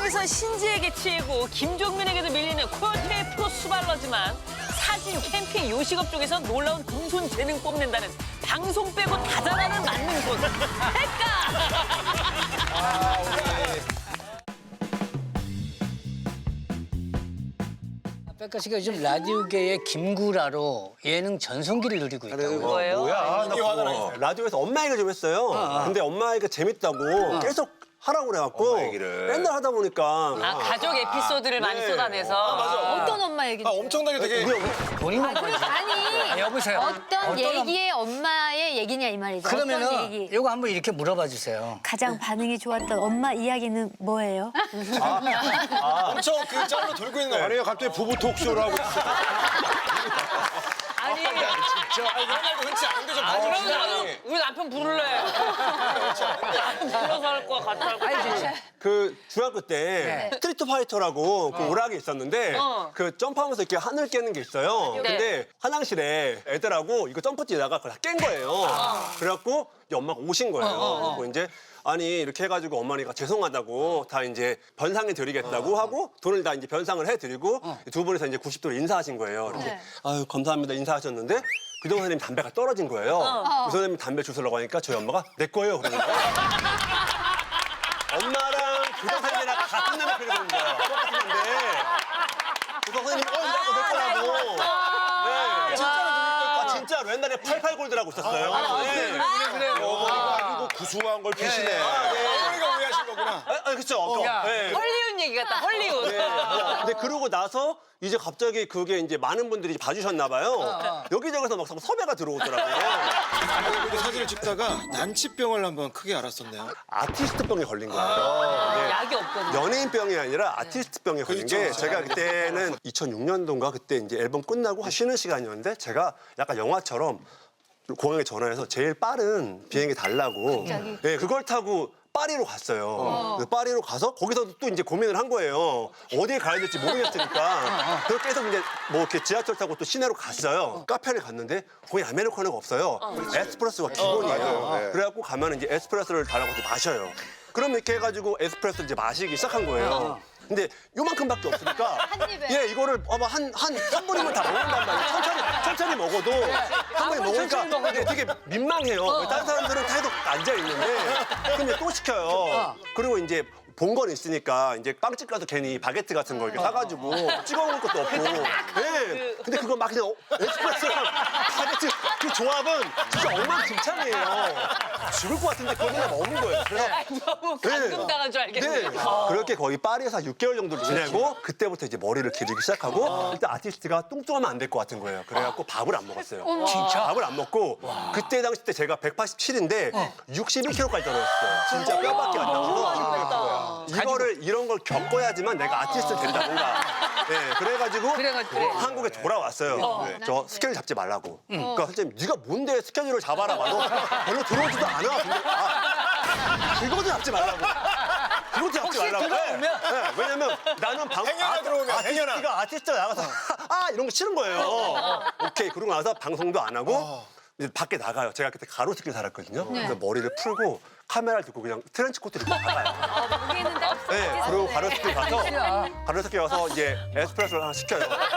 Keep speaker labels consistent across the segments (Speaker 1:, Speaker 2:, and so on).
Speaker 1: 상황에선 신지에게 치이고 김종민에게도 밀리는 코요태 프로 수발러지만 사진, 캠핑, 요식업 쪽에서 놀라운 금손 재능 뽐낸다는 방송 빼고 다 잘하는 만능손
Speaker 2: 백가 씨가 요즘 라디오계의 김구라로 예능 전성기를 누리고 있다고요.
Speaker 1: 뭐예요?
Speaker 3: 뭐야? 라디오에서 엄마 얘기를 좀 했어요. 근데 엄마 얘기가 재밌다고 계속 하라고 그래갖고 맨날 하다 보니까
Speaker 1: 아, 가족 에피소드를 많이 쏟아내서.
Speaker 4: 어떤 엄마 얘기?
Speaker 5: 엄청나게 되게
Speaker 2: 본인 엄마지.
Speaker 4: 아니,
Speaker 2: 여보세요.
Speaker 4: 어떤 얘기의 엄마의 얘기냐 이 말이죠. 어떤
Speaker 2: 그러면은
Speaker 4: 얘기?
Speaker 2: 이거 한번 이렇게 물어봐 주세요.
Speaker 4: 가장 반응이 좋았던 엄마 이야기는 뭐예요?
Speaker 5: 엄청 그 짤로 돌고 있는 거.
Speaker 6: 아니요, 갑자기 부부 톡쇼를 하고 있어.
Speaker 1: 아니,
Speaker 5: 이런 말도 흔치 않은데 좀
Speaker 1: 그러면 나도 우리 남편 부를래. 불러서 할 거야, 같이 할 거야.
Speaker 3: 그 중학교 때 스트리트 파이터라고 그 오락이 있었는데 그 점프하면서 이렇게 하늘 깨는 게 있어요. 근데 화장실에 애들하고 이거 점프 뛰다가 그걸 다 깬 거예요. 그래갖고 이제 엄마가 오신 거예요. 그리고 이제 아니 이렇게 해가지고 어머니가 죄송하다고 다 이제 변상해 드리겠다고 하고 돈을 다 이제 변상을 해드리고 두 분이서 이제 90도로 인사하신 거예요. 이렇게 아유 감사합니다 인사하셨는데 교장 선생님 담배가 떨어진 거예요. 그 선생님 담배 주스려고 하니까 저희 엄마가 내 거예요 그러는 거예요. 엄마랑 교장 선생님이랑 같은 남을 그리는 거예요. 똑같은 건데 교장 선생님이 이거 내 거라고. 네. 진짜로 옛날에 88골드라고 있었어요. 네.
Speaker 6: 그리고 구수한 걸 피시네.
Speaker 5: 어머니가 오해하신 거구나.
Speaker 3: 그렇죠. 네.
Speaker 1: 헐리우드 얘기 같다, 헐리우드.
Speaker 3: 근데 그러고 나서 이제 갑자기 그게 이제 많은 분들이 봐주셨나 봐요. 여기저기서 막 섭외가 들어오더라고요.
Speaker 5: 근데 사진을 찍다가 난치병을 한번 크게 알았었네요.
Speaker 3: 아티스트병에 걸린 거예요. 네.
Speaker 1: 약이 없거든요.
Speaker 3: 연예인병이 아니라 아티스트병에 걸린 게 제가 그때는 2006년도인가 그때 이제 앨범 끝나고 쉬는 시간이었는데 제가 약간 영화처럼 공항에 전화해서 제일 빠른 비행기 달라고 네, 그걸 타고 파리로 갔어요. 그래서 파리로 가서 거기서도 또 이제 고민을 한 거예요. 어디에 가야 될지 모르겠으니까. 그래서 계속 이제 뭐 이렇게 지하철 타고 또 시내로 갔어요. 카페를 갔는데 거기 아메리카노가 없어요. 에스프레소가 기본이에요. 그래갖고 가면 이제 에스프레소를 달라고 해서 마셔요. 그럼 이렇게 해가지고 에스프레소를 이제 마시기 시작한 거예요. 근데 요만큼밖에 없으니까 예 이거를 봐봐 한 3분이면 다 먹는단 말이에요. 천천히 먹어도 한 번에 먹으니까 이게 되게 민망해요. 다른 사람들은 계속 앉아 있는데 그럼 이제 또 시켜요. 그리고 이제 본 건 있으니까 이제 빵집 가서 괜히 바게트 같은 거 이렇게 사가지고 찍어 먹을 것도 없고. 네. 근데 그거 막 그냥 에스프레소랑 바게트 그 조합은 진짜 엉망진창이에요. 죽을 것 같은데 그걸 그냥 먹는 거예요. 그래서
Speaker 1: 너무 감동당한 줄 알겠네.
Speaker 3: 네. 그렇게 거의 파리에서 한 6개월 정도 지내고 그때부터 이제 머리를 기르기 시작하고 일단 아티스트가 뚱뚱하면 안 될 것 같은 거예요. 그래갖고 밥을 안 먹었어요. 진짜? 밥을 안 먹고 그때 당시 때 제가 187인데 61kg까지 떨어졌어요. 진짜 뼈밖에 안 나와서 이런 걸 겪어야지만 내가 아티스트 된다 뭔가. 네, 그래가지고 한국에 돌아왔어요. 저 스케줄 잡지 말라고. 그러니까 선생님 네가 뭔데 스케줄을 잡아라 봐도 별로 들어오지도 않아. 근데 그거도 잡지 말라고. 그것도 잡지 말라고. 네, 왜냐면 나는 아티스트가 나가서 이런 거 싫은 거예요. 오케이 그러고 나서 방송도 안 하고 이제 밖에 나가요. 제가 그때 가로수길 살았거든요. 그래서 머리를 풀고 카메라를 들고 그냥 트렌치 코트를 입고 나가요. 네, 그리고 가로수길 가서 이제 에스프레소를 하나 시켜요.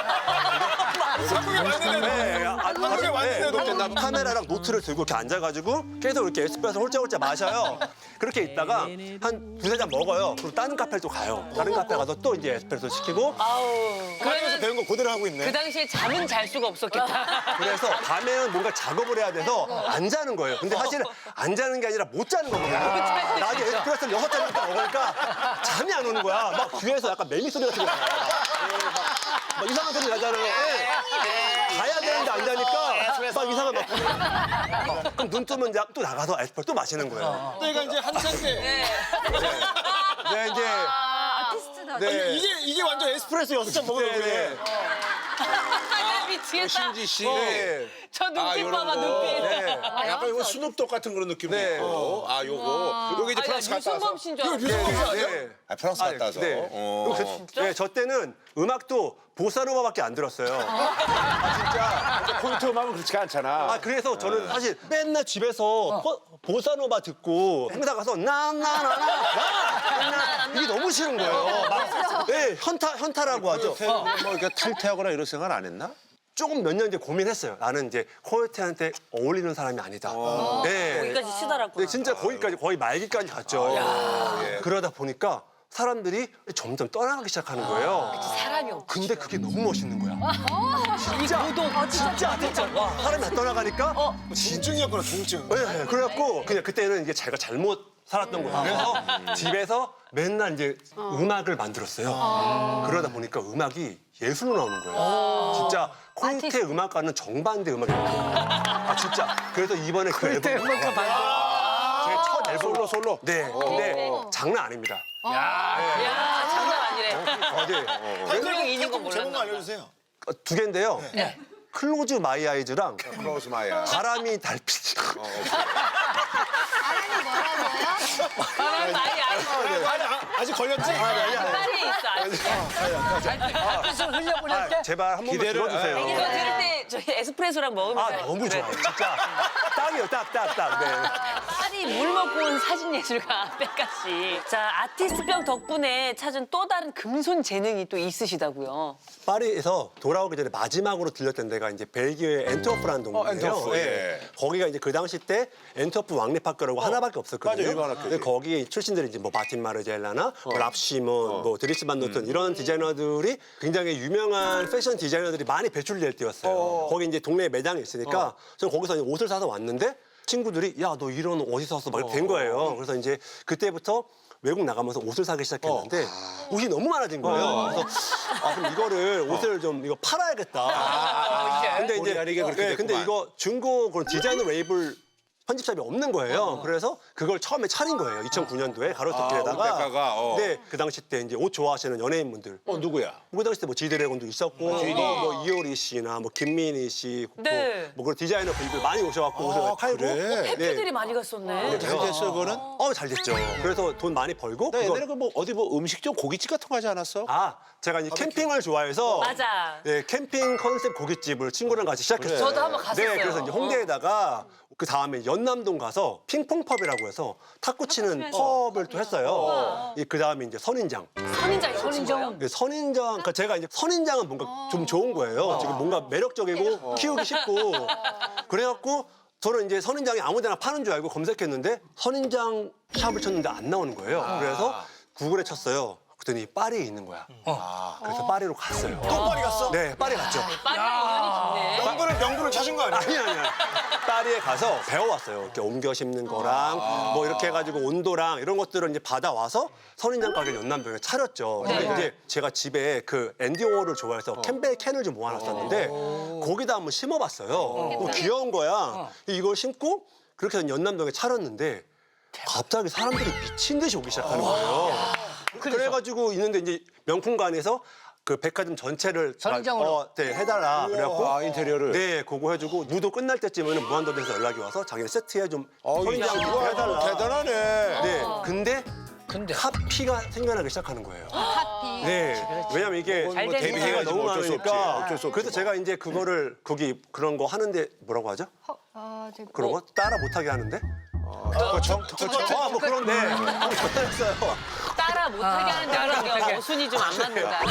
Speaker 5: 한국에 왔는데도. 한국에 왔는데도.
Speaker 3: 카메라랑 노트를 들고 이렇게 앉아가지고 계속 이렇게 에스프레소 홀짝홀짝 마셔요. 그렇게 있다가 한 두세 잔 먹어요. 그리고 다른 카페를 또 가요. 다른 카페 가서 또 이제 에스프레소 시키고
Speaker 5: 그러면서 배운 거 그대로 하고 있네.
Speaker 1: 그 당시에 잠은 잘 수가 없었겠다.
Speaker 3: 그래서 밤에는 뭔가 작업을 해야 돼서 안 자는 거예요. 근데 사실은 안 자는 게 아니라 못 자는 거거든요. 낮에 에스프레소를 6잔 먹으니까 잠이 안 오는 거야. 막 귀에서 약간 매미 소리 같은 거 나요. 막 이상한 소리 나잖아요. 가야 되는데 안 자니까 막 이상한 막 그럼 눈 뜨면 이제 또 나가서 에스프레소 또 마시는 거예요.
Speaker 5: 그때가 이제 한창 때.
Speaker 3: 네, 이제
Speaker 4: 아티스트다.
Speaker 3: 네.
Speaker 5: 이게 완전 에스프레소 6잔 먹으려고 그래.
Speaker 1: 미치겠다.
Speaker 6: 신지 씨.
Speaker 3: 네.
Speaker 1: 저 눈빛 봐봐, 눈빛.
Speaker 3: 네.
Speaker 6: 약간 이거 스눕독 같은 그런 느낌도
Speaker 3: 네.
Speaker 6: 있고. 아, 요거 이제 프랑스 갔다 와서.
Speaker 1: 유승범 씨인 줄 알았어.
Speaker 3: 네.
Speaker 6: 아, 프랑스 갔다 와서.
Speaker 3: 네.
Speaker 6: 어.
Speaker 3: 네, 저 때는 음악도 보사노바밖에 안 들었어요.
Speaker 6: 진짜 콘트 음악은 그렇지가 않잖아.
Speaker 3: 아, 그래서 저는 사실 맨날 집에서 보사노바 듣고 행사 가서 나나나나 이게 너무 싫은 거예요. 막, 네, 현타라고 하죠.
Speaker 6: 뭐 이렇게 탈퇴하거나 이런 생각 안 했나?
Speaker 3: 조금 몇 년 이제 고민했어요. 나는 이제 코요테한테 어울리는 사람이 아니다. 네.
Speaker 1: 거기까지 치달았구나.
Speaker 3: 네, 진짜 거기까지 거의 말기까지 갔죠. 그러다 보니까 사람들이 점점 떠나가기 시작하는 거예요.
Speaker 1: 사람이 없.
Speaker 3: 근데 그게 너무 멋있는 거야. 진짜. 와, 사람이 다 떠나가니까.
Speaker 5: 중증이었구나, 중증.
Speaker 3: 네, 그래갖고 그냥 그때는 이게 제가 잘못 살았던 거예요. 그래서 집에서 맨날 이제 음악을 만들었어요. 그러다 보니까 음악이 예술로 나오는 거예요. 진짜 콘테 음악과는 정반대 음악이에요. 아, 진짜. 그래서 이번에 그 앨범. 제 첫 앨범.
Speaker 6: 솔로.
Speaker 3: 네. 근데 장난 아닙니다.
Speaker 1: 야, 장난 아니래.
Speaker 3: 네.
Speaker 1: 분명히 있는 건
Speaker 5: 제목만
Speaker 1: 몰랐나 봐.
Speaker 5: 알려주세요.
Speaker 3: 두 개인데요. 클로즈 마이 아이즈랑
Speaker 6: 클로즈 마이야.
Speaker 3: 바람이 달빛.
Speaker 4: 사람이 뭐라고요?
Speaker 1: 사람 많이 알고.
Speaker 5: 아직 걸렸지?
Speaker 1: 빨리 있어, 아직.
Speaker 2: 좀 흘려보낼게.
Speaker 3: 제발 한 번만
Speaker 6: 기대를-
Speaker 3: 들어주세요.
Speaker 1: 이거 들을 때 저희 에스프레소랑 먹으면서.
Speaker 3: 아, 너무 좋아요. 진짜. 딱이에요, 딱. 네.
Speaker 1: 파리 물 먹고 온 사진 예술가 백가 씨. 자, 아티스트병 덕분에 찾은 또 다른 금손 재능이 또 있으시다고요.
Speaker 3: 파리에서 돌아오기 전에 마지막으로 들렸던 데가 이제 벨기에의 엔트워프라는 동네예요.
Speaker 6: 엔트워프,
Speaker 3: 예.
Speaker 6: 예.
Speaker 3: 거기가 이제 그 당시 때 엔트워프 왕립학교라고 하나밖에 없었거든요.
Speaker 6: 맞아요, 유명한 학교지.
Speaker 3: 근데 거기 출신들이 이제 뭐 마틴 마르젤라나 뭐 랍시몬, 뭐 드리스 반 노튼 이런 디자이너들이 굉장히 유명한 패션 디자이너들이 많이 배출될 때였어요. 거기 이제 동네에 매장이 있으니까 저는 거기서 이제 옷을 사서 왔는데 친구들이 야, 너 이런 옷 어디서 샀어? 막 이렇게 된 거예요. 그래서 이제 그때부터 외국 나가면서 옷을 사기 시작했는데 옷이 너무 많아진 거예요. 그래서 그럼 이거를 옷을 좀 이거 팔아야겠다. 근데
Speaker 6: 본의 아니게 그렇게
Speaker 3: 근데
Speaker 6: 됐구만.
Speaker 3: 이거 중고 그런 디자이너 웨이블 편집샵이 없는 거예요. 그래서 그걸 처음에 차린 거예요. 2009년도에 가로수길에다가.
Speaker 6: 백가가,
Speaker 3: 네, 그 당시 때 이제 옷 좋아하시는 연예인분들.
Speaker 6: 누구야?
Speaker 3: 그 당시 때 뭐 지드래곤도 있었고, 뭐 이효리 씨나 뭐 김민희 씨,
Speaker 1: 네.
Speaker 3: 뭐 그런 디자이너 분들 많이 오셔갖고 옷을 팔고.
Speaker 6: 그래?
Speaker 1: 팬들이 많이 갔었네.
Speaker 6: 잘 됐어, 그거는?
Speaker 3: 잘 됐죠. 그래서 돈 많이 벌고.
Speaker 6: 나
Speaker 3: 그거-
Speaker 6: 옛날에 그 뭐 어디 뭐 음식점 고깃집 같은 거 하지 않았어?
Speaker 3: 제가 이제 캠핑을 좋아해서
Speaker 1: 맞아.
Speaker 3: 네, 캠핑 컨셉 고깃집을 친구랑 같이 시작했어요.
Speaker 1: 저도 한번 갔었어요.
Speaker 3: 네, 그래서 이제 홍대에다가 그 다음에 연남동 가서 핑퐁펍이라고 해서 탁구 치는 펍을 또 했어요. 그 다음에 이제 선인장.
Speaker 1: 선인장.
Speaker 3: 네, 선인장, 그러니까 제가 이제 선인장은 뭔가 좀 좋은 거예요. 지금 뭔가 매력적이고 키우기 쉽고 그래갖고 저는 이제 선인장이 아무데나 파는 줄 알고 검색했는데 선인장 샵을 쳤는데 안 나오는 거예요. 그래서 구글에 쳤어요. 그랬더니 파리에 있는 거야. 그래서 파리로 갔어요.
Speaker 5: 또 파리 갔어?
Speaker 3: 네, 파리 갔죠.
Speaker 1: 빨리 인연이 깊네.
Speaker 5: 명분을 찾은 거 아니야?
Speaker 3: 아니. 파리에 가서 배워왔어요. 이렇게 옮겨 심는 거랑 뭐 이렇게 해가지고 온도랑 이런 것들을 이제 받아와서 선인장 가게를 연남동에 차렸죠. 근데 이제 제가 집에 그 앤디 워홀을 좋아해서 캠벨 캔을 좀 모아놨었는데 거기다 한번 심어봤어요. 귀여운 거야. 이걸 심고 그렇게 해서 연남동에 차렸는데 갑자기 사람들이 미친 듯이 오기 시작하는 거예요. 그래가지고 있는데 이제 명품관에서 그 백화점 전체를
Speaker 2: 선인장으로?
Speaker 3: 네, 해달라. 그래갖고
Speaker 6: 인테리어를?
Speaker 3: 네, 그거 해주고 무도 끝날 때쯤에는 무한도전에서 연락이 와서 자기네 세트에 좀 선인장 좀 해달라.
Speaker 6: 대단하네.
Speaker 3: 네, 근데 카피가 생겨나기 시작하는 거예요.
Speaker 4: 하피.
Speaker 3: 네, 왜냐면 이게
Speaker 1: 잘 되는
Speaker 3: 데뷔가
Speaker 6: 거야.
Speaker 3: 너무
Speaker 6: 어쩔 수 없지.
Speaker 3: 많으니까.
Speaker 6: 어쩔 수 없지,
Speaker 3: 그래서
Speaker 6: 뭐.
Speaker 3: 제가 이제 그거를 거기 그런 거 하는데 뭐라고 하죠? 그런 거 따라 못하게 하는데?
Speaker 6: 특허청?
Speaker 3: 뭐 그런데 전화했어요.
Speaker 1: 따라 못하게 하는 데가 순위 좀 안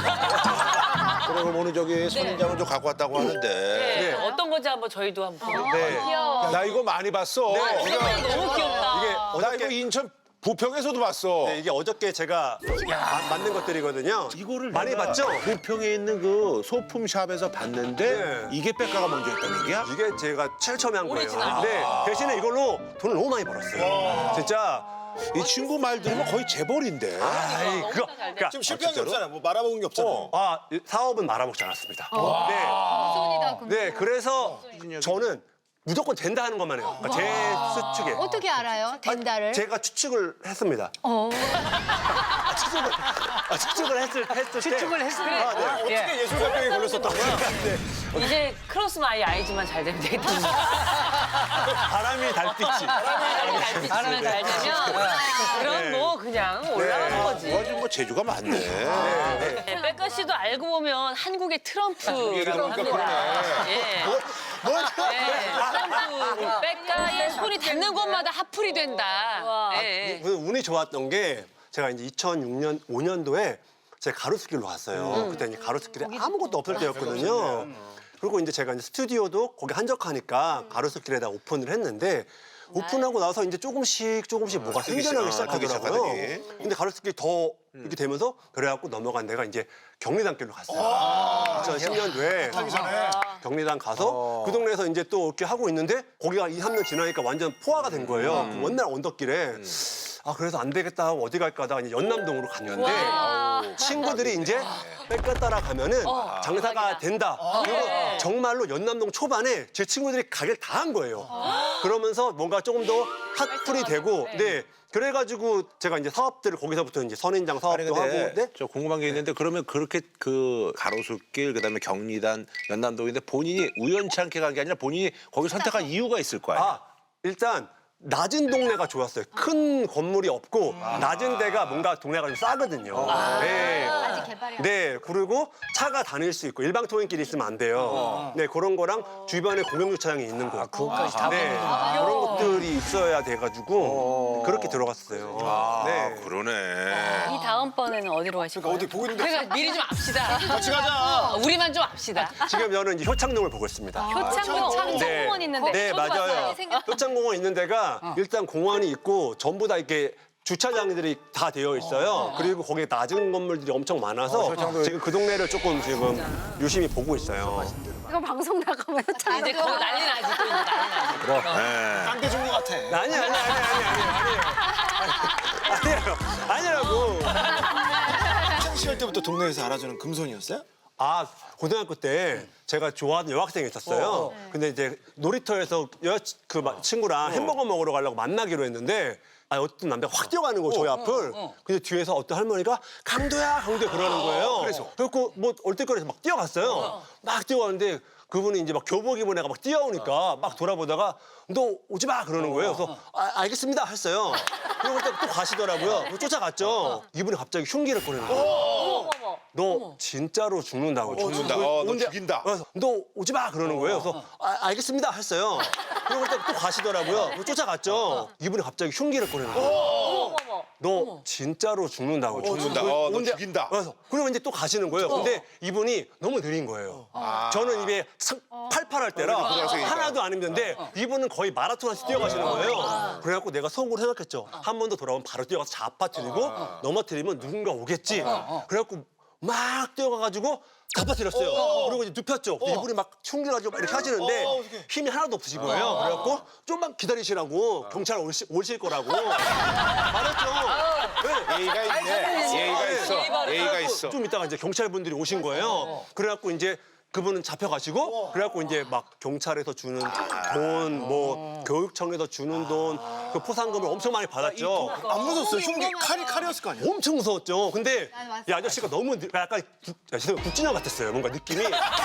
Speaker 1: 맞는다.
Speaker 6: 그래, 그럼 오늘 저기 선인장을 좀 갖고 왔다고 하는데.
Speaker 1: 네. 어떤 건지 한번 저희도 한번 보고.
Speaker 3: 네.
Speaker 6: 나 이거 많이 봤어.
Speaker 1: 너무 귀엽다.
Speaker 3: 이게
Speaker 6: 나 이거
Speaker 3: 어저께
Speaker 6: 인천 부평에서도 봤어.
Speaker 3: 네, 이게 어저께 제가 만든 것들이거든요.
Speaker 6: 이거를
Speaker 3: 많이
Speaker 6: 내가
Speaker 3: 봤죠?
Speaker 6: 부평에 있는 그 소품샵에서 봤는데
Speaker 3: 네.
Speaker 6: 이게 백가가 먼저 했던 얘기야?
Speaker 3: 이게 제가 제일 처음에 한 거예요.
Speaker 1: 오리지널.
Speaker 3: 근데 대신에 이걸로 돈을 너무 많이 벌었어요. 진짜.
Speaker 6: 이 친구 말 들으면 거의 재벌인데.
Speaker 3: 아이, 그거. 그러니까
Speaker 5: 지금 실패한 게 없잖아. 뭐 말아먹은 게 없잖아.
Speaker 3: 사업은 말아먹지 않았습니다.
Speaker 4: 금손이다, 금손.
Speaker 3: 네, 그래서 저는 무조건 된다 하는 것만 해요. 그러니까 제 수측에.
Speaker 4: 어떻게 알아요? 된다를?
Speaker 3: 제가 추측을 했습니다. 추측을 했을 때.
Speaker 2: 추측을 했습니다.
Speaker 3: 아, 네.
Speaker 5: 어떻게 예술가병에 걸렸었던 거야?
Speaker 1: 이제 크로스 마이 아이즈만 잘 되면 되겠다.
Speaker 3: 바람이 달빛이.
Speaker 1: 바람을 잘 되면 그럼 뭐 그냥 올라가는 거지.
Speaker 6: 아주 뭐 재주가 많네.
Speaker 1: 네, 백가 씨도 알고 보면 한국의 트럼프라고 합니다. 예. 트럼프. 백가의 손이 닿는 곳마다 하풀이 된다. 예.
Speaker 3: 운이 좋았던 게 제가 이제 2006년, 5년도에 제가 가로수길로 갔어요. 그때 이제 가로수길에 아무것도 없을 때였거든요. 그리고 이제 제가 이제 스튜디오도 거기 한적하니까 가로수길에다 오픈을 했는데 오픈하고 나서 이제 조금씩 뭐가 생겨나기 시작하더라고요. 근데 가로수길이 더 이렇게 되면서 그래갖고 넘어간 데가 이제 경리단길로 갔어요. 2010년도에 경리단 가서 그 동네에서 이제 또 이렇게 하고 있는데 거기가 2, 3년 지나니까 완전 포화가 된 거예요. 그 원날 언덕길에. 아 그래서 안 되겠다 하고 어디 갈까 하다가 이제 연남동으로 갔는데 친구들이 이제 백가 따라가면은 장사가 된다. 그리고 정말로 연남동 초반에 제 친구들이 가게를 다 한 거예요. 그러면서 뭔가 조금 더 핫플이 되고 네. 그래가지고 제가 이제 사업들을 거기서부터 이제 선인장 사업도 하고 네?
Speaker 6: 저 궁금한 게 있는데 그러면 그렇게 그 가로수길 그다음에 경리단 연남동인데 본인이 우연치 않게 간 게 아니라 본인이 거기 선택한 이유가 있을 거야.
Speaker 3: 아 일단 낮은 동네가 좋았어요. 큰 건물이 없고 낮은 데가 뭔가 동네가 좀 싸거든요. 네.
Speaker 4: 아직 개발이 안
Speaker 3: 네, 그리고 차가 다닐 수 있고 일방 통행길이 있으면 안 돼요. 네, 그런 거랑 주변에 공영 주차장이 있는 곳.
Speaker 2: 그것까지 다
Speaker 3: 네, 그런 것들이 있어야 돼가지고 그렇게 들어갔어요. 네.
Speaker 6: 그러네.
Speaker 1: 이 다음번에는 어디로 가실 거예요?
Speaker 5: 어디 보고 있는데
Speaker 1: 그러니까 미리 좀 압시다.
Speaker 5: 같이 가자.
Speaker 1: 우리만 좀 압시다.
Speaker 3: 지금 저는 이제 효창동을 보고 있습니다.
Speaker 4: 효창공원 있는데.
Speaker 3: 네, 맞아요. 효창공원 있는 데가 일단 공원이 있고 전부 다 이렇게 주차장들이 다 되어 있어요. 그리고 거기에 낮은 건물들이 엄청 많아서 지금 그 동네를 조금 지금 유심히 보고 있어요.
Speaker 4: 이거 방송 나가면
Speaker 1: 이제 거기 난리 나지 또 이제 난리 나지.
Speaker 6: 그럼.
Speaker 5: 딴데 준것 같아.
Speaker 3: 아니에요. 아니라고.
Speaker 5: 학창 시절 때부터 동네에서 알아주는 금손이었어요?
Speaker 3: 아, 고등학교 때 제가 좋아하는 여학생이 있었어요. 근데 이제 놀이터에서 친구랑 햄버거 먹으러 가려고 만나기로 했는데 아, 어떤 남자가 확 뛰어가는 거예요, 저희 앞을. 근데 뒤에서 어떤 할머니가 강도야 그러는 거예요. 그래서 뭐 얼떨결에서 막 뛰어갔어요. 막 뛰어가는데 그분이 이제 막 교복 입은 애가 막 뛰어오니까 막 돌아보다가 너 오지 마 그러는 거예요. 그래서 알겠습니다 했어요. 그러고 또 가시더라고요. 그래서 쫓아갔죠. 이분이 갑자기 흉기를 꺼내는 거예요. 너 진짜로 죽는다고.
Speaker 6: 죽는다. 너
Speaker 3: 근데
Speaker 6: 죽인다.
Speaker 3: 그래서 너 오지 마 그러는 거예요. 그래서 알겠습니다 했어요. 그러고 또 가시더라고요. 그래서 쫓아갔죠. 이분이 갑자기 흉기를 꺼내는 거예요. 너 진짜로 죽는다고.
Speaker 6: 죽는다. 너
Speaker 3: 근데
Speaker 6: 죽인다.
Speaker 3: 그러면 이제 또 가시는 거예요. 근데 이분이 너무 느린 거예요. 저는 입에 팔팔할 때라 하나도 안 힘든데 이분은 거의 마라톤에서 뛰어가시는 거예요. 그래갖고 내가 속으로 생각했죠. 한 번 더 돌아오면 바로 뛰어가서 잡아뜨리고 넘어뜨리면 누군가 오겠지. 그래갖고 막 뛰어가가지고 잡아뜨렸어요. 그리고 이제 눕혔죠. 근데 이분이 막 흉기를 가지고 막 이렇게 하시는데 힘이 하나도 없으신 거예요. 그래갖고 좀만 기다리시라고 경찰 오실 거라고 말했죠. 네.
Speaker 6: 예의가 있네. 예의가 있어. 예의가 있어.
Speaker 3: 좀 이따가 이제 경찰분들이 오신 거예요. 그래갖고 이제 그분은 잡혀가시고 그래갖고 이제 막 경찰에서 주는 돈, 뭐 교육청에서 주는 돈, 그 포상금을 엄청 많이 받았죠.
Speaker 5: 안 무서웠어요? 흉기 칼이었을 거 아니야?
Speaker 3: 엄청 무서웠죠. 근데 이 아저씨가 너무 약간 국진영 같았어요. 뭔가 느낌이.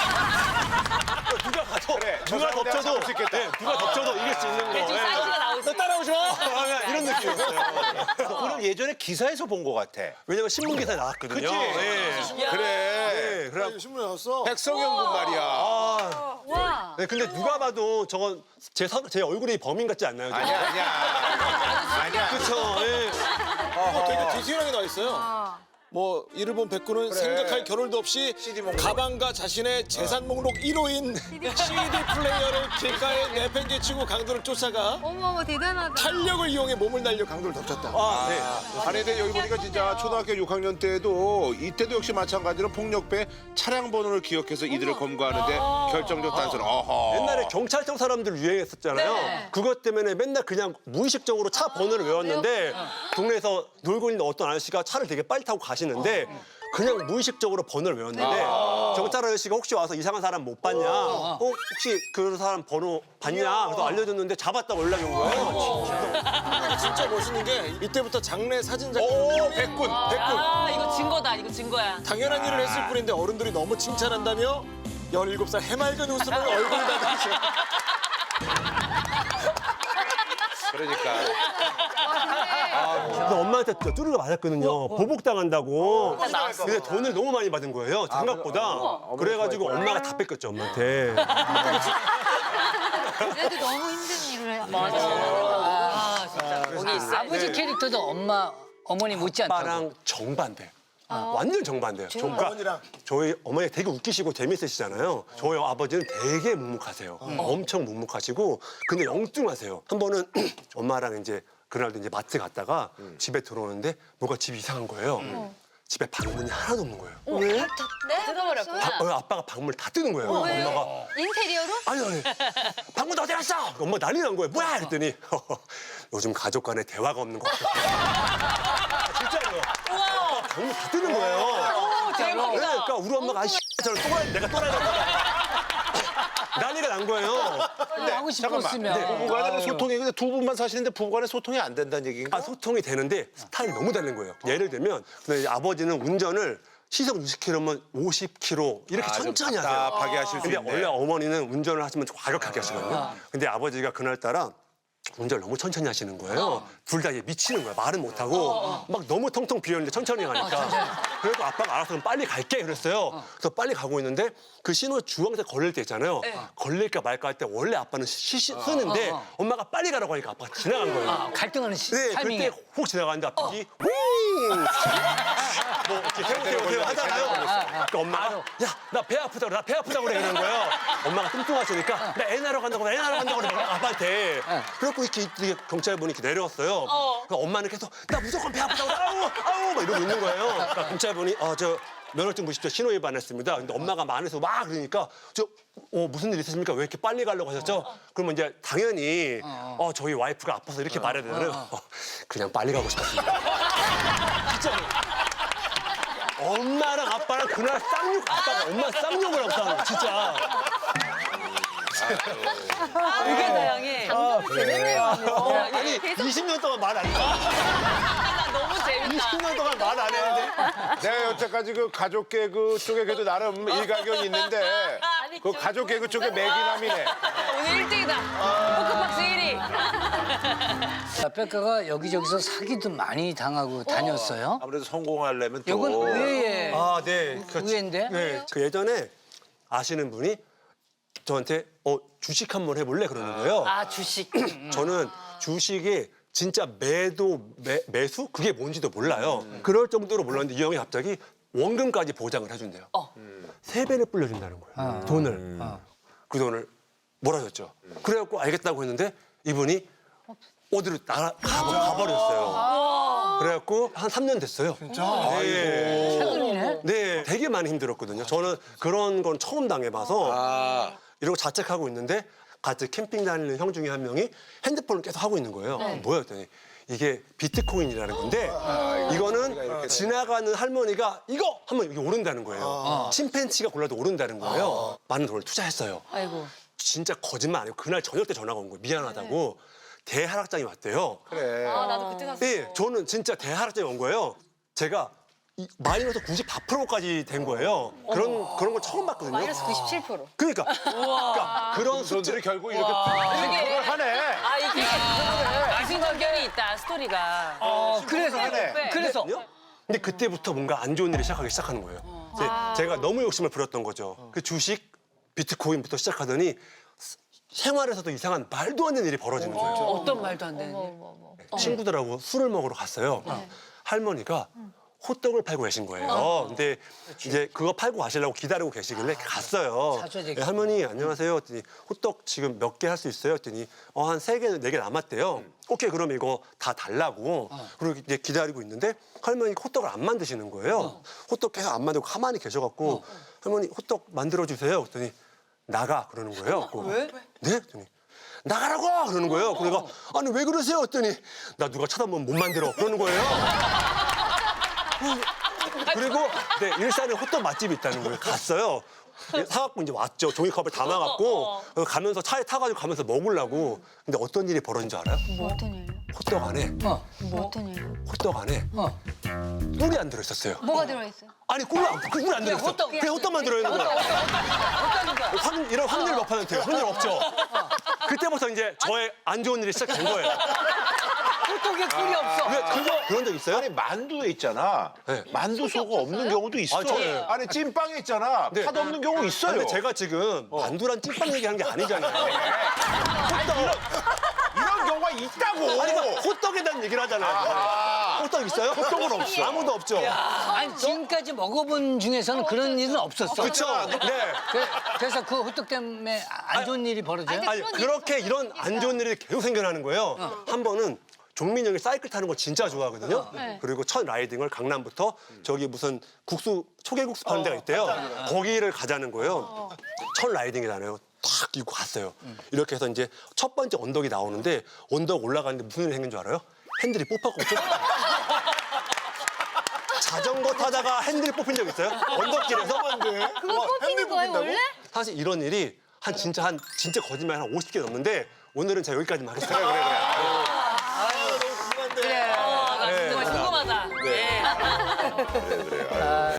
Speaker 3: 누가 가서 누가 덮쳐도 누가 덮쳐도 이길 수 있는 거.
Speaker 1: 지금 사이즈가 나오고 있어.
Speaker 3: 따라오지 마. 이런 느낌이었어요.
Speaker 6: 그럼 예전에 기사에서 본 것 같아.
Speaker 3: 왜냐면 신문 기사에 나왔거든요.
Speaker 6: 그치?
Speaker 3: 네.
Speaker 6: 그래.
Speaker 3: 네. 그래.
Speaker 5: 신문에 나왔어.
Speaker 6: 백성현 군 말이야.
Speaker 4: 와.
Speaker 3: 네, 근데 누가 봐도 저건 제 얼굴이 범인 같지 않나요?
Speaker 6: 아니야. 아니야.
Speaker 3: 그렇죠. 네.
Speaker 5: 되게 디테일하게 나와 있어요. 뭐 이를 본 백구는 생각할 겨를도 없이 가방과 자신의 재산 목록 1호인 CD 플레이어를 길가에 내팽개치고 강도를 쫓아가
Speaker 4: 어머 대단하다.
Speaker 5: 탄력을 이용해 몸을 날려 강도를 덮쳤다.
Speaker 3: 네.
Speaker 6: 아니 근데 여기 보니까 진짜 초등학교 6학년 때도 이때도 역시 마찬가지로 폭력배 차량 번호를 기억해서 이들을 검거하는데 결정적 단서는 어허.
Speaker 3: 옛날에 경찰청 사람들 유행했었잖아요. 그것 때문에 맨날 그냥 무의식적으로 차 번호를 외웠는데 동네에서 놀고 있는 어떤 아저씨가 차를 되게 빨리 타고 가시는 아시는데 그냥 무의식적으로 번호를 외웠는데 경찰 아저씨가 혹시 와서 이상한 사람 못 봤냐? 혹시 그 사람 번호 봤냐? 그래서 알려줬는데 잡았다고 연락이 온 거예요.
Speaker 5: 진짜 멋있는 게 이때부터 장례 사진 작가
Speaker 6: 백군.
Speaker 1: 아, 이거 증거다. 이거 증거야.
Speaker 5: 당연한 일을 했을 뿐인데 어른들이 너무 칭찬한다며 17살 해맑은 웃음을 얼굴에다 대죠.
Speaker 6: 그러니까.
Speaker 3: 근데 엄마한테 뚜루가 맞았거든요. 보복당한다고. 근데 돈을 너무 많이 받은 거예요. 생각보다. 그래가지고 엄마가 다 뺏겼죠, 엄마한테.
Speaker 4: 그래도 너무 힘든 일을 해.
Speaker 1: 아, 진짜. 거기 있어.
Speaker 2: 아버지 캐릭터도 어머니 못지않다고.
Speaker 3: 아빠랑 정반대. 완전 정반대예요. 그러니까 저희 어머니 되게 웃기시고 재밌으시잖아요. 저희 아버지는 되게 묵묵하세요. 엄청 묵묵하시고 근데 영뚱하세요. 한 번은 엄마랑 이제 그날도 이제 마트 갔다가 집에 들어오는데 뭐가 집이 이상한 거예요. 집에 방문이 하나도 없는 거예요.
Speaker 4: 네? 뜯어버렸구나.
Speaker 3: 아빠가 방문을 다 뜨는 거예요. 엄마가
Speaker 4: 인테리어로?
Speaker 3: 아니 방문 어디 갔어? 엄마 난리 난 거예요. 뭐야? 그랬더니 요즘 가족 간에 대화가 없는 것 같아요. 진짜로요. 아빠가 방문 다 뜨는 거예요.
Speaker 1: 대박이다.
Speaker 3: 그러니까 우리 엄마가 아이씨 저는 또라이 내가 또라이다. 난리가 난 거예요.
Speaker 2: 하고 싶었으면.
Speaker 6: 부부간의 소통이 근데 두 분만 사시는데 부부간의 소통이 안 된다는 얘기인가?
Speaker 3: 아, 소통이 되는데 스타일이 너무 다른 거예요. 예를 들면 근데 아버지는 운전을 시속 60km면 50km 이렇게
Speaker 6: 좀
Speaker 3: 천천히 하세요.
Speaker 6: 답답하게 하실 수
Speaker 3: 근데
Speaker 6: 있네.
Speaker 3: 원래 어머니는 운전을 하시면 좀 과격하게 하시거든요. 근데 아버지가 그날따라 운전을 너무 천천히 하시는 거예요. 둘 다 미치는 거야. 말은 못하고 막 너무 텅텅 비었는데 천천히 가니까. 그래도 아빠가 알아서 그럼 빨리 갈게 그랬어요. 그래서 빨리 가고 있는데 그 신호 주황색 걸릴 때 있잖아요. 걸릴까 말까 할 때 원래 아빠는 쓰는데 엄마가 빨리 가라고 하니까 아빠가 지나간 거예요.
Speaker 2: 갈등하는
Speaker 3: 네,
Speaker 2: 타이밍에.
Speaker 3: 그때 훅 지나가는데 앞이 뭐 이렇게 세우세요 하잖아요. 그러니까 엄마가 야, 나 배 아프다고 나 배 아프다고 그래 그러는 거예요. 엄마가 뚱뚱하시니까 나 애 낳으러 간다고 나 애 낳으러 간다고 그래 아빠한테. 그래갖고 이렇게 경찰분이 이렇게 내려왔어요. 그러니까 엄마는 계속 나 무조건 배 아프다고 아우 막 이러고 있는 거예요. 그러니까 경찰분이 저 면허증 보십시오. 신호 위반했습니다. 근데 엄마가 안에서 막 그러니까 무슨 일 있으십니까? 왜 이렇게 빨리 가려고 하셨죠? 그러면 이제 당연히 저희 와이프가 아파서 이렇게 말해야 되잖아요. 그냥 빨리 가고 싶었습니다. 진짜로. 엄마랑 아빠랑 그날 아빠가 엄마 쌍욕을 하고 싸는 거 진짜.
Speaker 1: 되게 다양해.
Speaker 3: 아니 20년 동안 말 안 했다.
Speaker 1: 나 너무 재밌다.
Speaker 3: 20년 동안 말 안 했는데.
Speaker 6: 내가 여태까지 그 가족 개그 쪽에 그래도 나름 일가견이 있는데 그 가족 개그 쪽에 매기남이네.
Speaker 1: 오늘 1등이다. 포크박스 1위.
Speaker 2: 백가가 여기저기서 사기도 많이 당하고 다녔어요.
Speaker 6: 아무래도 성공하려면 또
Speaker 2: 이건 의외의
Speaker 3: 아, 네.
Speaker 2: 의외인데.
Speaker 3: 네. 그 예전에 아시는 분이 저한테 주식 한번 해볼래 그러는 거예요.
Speaker 1: 아, 주식.
Speaker 3: 저는 주식이 진짜 매수 그게 뭔지도 몰라요. 그럴 정도로 몰랐는데 이 형이 갑자기 원금까지 보장을 해준대요. 3배를 불려준다는 거예요. 돈을. 그 돈을 몰아줬죠. 그래갖고 알겠다고 했는데 이분이 어디로 가버렸어요. 그래갖고 한 3년 됐어요. 진짜? 네.
Speaker 2: 최근이네.
Speaker 3: 네, 되게 많이 힘들었거든요. 저는 그런 건 처음 당해봐서 이러고 자책하고 있는데 같이 캠핑 다니는 형 중에 한 명이 핸드폰을 계속 하고 있는 거예요. 뭐야 했더니 이게 비트코인이라는 건데 이거는 지나가는 할머니가 이거 하면 이게 오른다는 거예요. 침팬치가 골라도 오른다는 거예요. 많은 돈을 투자했어요.
Speaker 1: 아이고.
Speaker 3: 진짜 거짓말 아니고 그날 저녁 때 전화가 온 거예요. 미안하다고. 대하락장이 왔대요.
Speaker 6: 그래.
Speaker 4: 나도 그때 갔어.
Speaker 3: 네, 저는 진짜 대하락장이 온 거예요. 제가 마이너스 94%까지 된 거예요. 그런 걸 처음 봤거든요.
Speaker 4: 마이너스 97%.
Speaker 3: 그러니까 그런
Speaker 6: 손들이 결국 이렇게
Speaker 1: 이게
Speaker 6: 하네.
Speaker 1: 아, 이게 이승전결이 있다, 스토리가.
Speaker 2: 그래서 그래서
Speaker 3: 근데 그때부터 뭔가 안 좋은 일이 시작하는 거예요. 제가 너무 욕심을 부렸던 거죠. 그 주식, 비트코인부터 시작하더니 생활에서도 이상한 말도 안 되는 일이 벌어지는 거예요.
Speaker 1: 어떤 말도 안 되는 일.
Speaker 3: 친구들하고 술을 먹으러 갔어요. 할머니가 호떡을 팔고 계신 거예요. 근데 이제 그거 팔고 가시려고 기다리고 계시길래 갔어요.
Speaker 2: 사줘야 되겠다.
Speaker 3: 네, 할머니 안녕하세요. 했더니 호떡 지금 몇 개 할 수 있어요? 했더니 한 3개, 4개 남았대요. 오케이 그럼 이거 다 달라고. 그리고 이제 기다리고 있는데 할머니 호떡을 안 만드시는 거예요. 호떡 계속 안 만들고 가만히 계셔갖고 할머니 호떡 만들어주세요. 했더니 나가 그러는 거예요.
Speaker 1: 왜?
Speaker 3: 네? 했더니 나가라고 그러는 거예요. 그러니까 아니 왜 그러세요? 했더니 나 누가 쳐다보면 못 만들어 그러는 거예요. 그리고 네, 일산에 호떡 맛집이 있다는 거예요. 갔어요. 사갖고 이제 왔죠. 종이컵을 담아갖고 가면서 차에 타가지고 가면서 먹으려고. 근데 어떤 일이 벌어진 줄 알아요?
Speaker 4: 뭐 어떤 일이요?
Speaker 3: 호떡 안에
Speaker 4: 뭐 어떤 일이요?
Speaker 3: 호떡 안에 꿀이 안 들어있었어요.
Speaker 4: 뭐가 들어있어요?
Speaker 3: 아니 꿀이 안 들어있어. 그냥 호떡만 들어있는 거야. 이런 확률 몇 퍼센트예요? 확률 없죠. 그때부터 이제 저의 안 좋은 일이 시작된 거예요.
Speaker 2: 호떡에 꿀이 없어.
Speaker 3: 그런 적 있어요?
Speaker 6: 아니 만두에 있잖아.
Speaker 3: 네.
Speaker 6: 만두 속 없는 경우도 있어.
Speaker 3: 아, 저는-
Speaker 6: 안에 찐빵에 있잖아.
Speaker 3: 네.
Speaker 6: 팥 없는 경우 있어요.
Speaker 3: 근데 제가 지금 만두란 찐빵 얘기하는 게 아니잖아요.
Speaker 6: 이런 경우가 있다고.
Speaker 3: 아니, 그러니까 호떡에 대한 얘기를 하잖아요. 호떡 있어요? 호떡은 없어. 아무도 없죠.
Speaker 2: 아니 지금까지 먹어본 중에서는 그런 일은 없었어.
Speaker 3: 그렇죠. 네.
Speaker 2: 그래서 그 호떡 때문에 안 좋은 일이 벌어져요?
Speaker 3: 아니, 그렇게 이런 안 좋은 일이 계속 생겨나는 거예요. 한 번은 종민이 형이 사이클 타는 걸 진짜 좋아하거든요. 그리고 첫 라이딩을 강남부터 저기 무슨 초계국수 파는 데가 있대요. 거기를 가자는 거예요. 첫 라이딩이잖아요. 탁 입고 갔어요. 이렇게 해서 이제 첫 번째 언덕이 나오는데 언덕 올라가는데 무슨 일이 생긴 줄 알아요? 핸들이 뽑혔고 자전거 타다가 핸들이 뽑힌 적 있어요? 언덕길에서?
Speaker 4: 그거 뽑히는 거예요 원래?
Speaker 3: 사실 이런 일이 진짜 거짓말 한 50개 넘는데 오늘은 제가 여기까지만 하겠습니다.
Speaker 1: 나 정말 궁금하다. 네.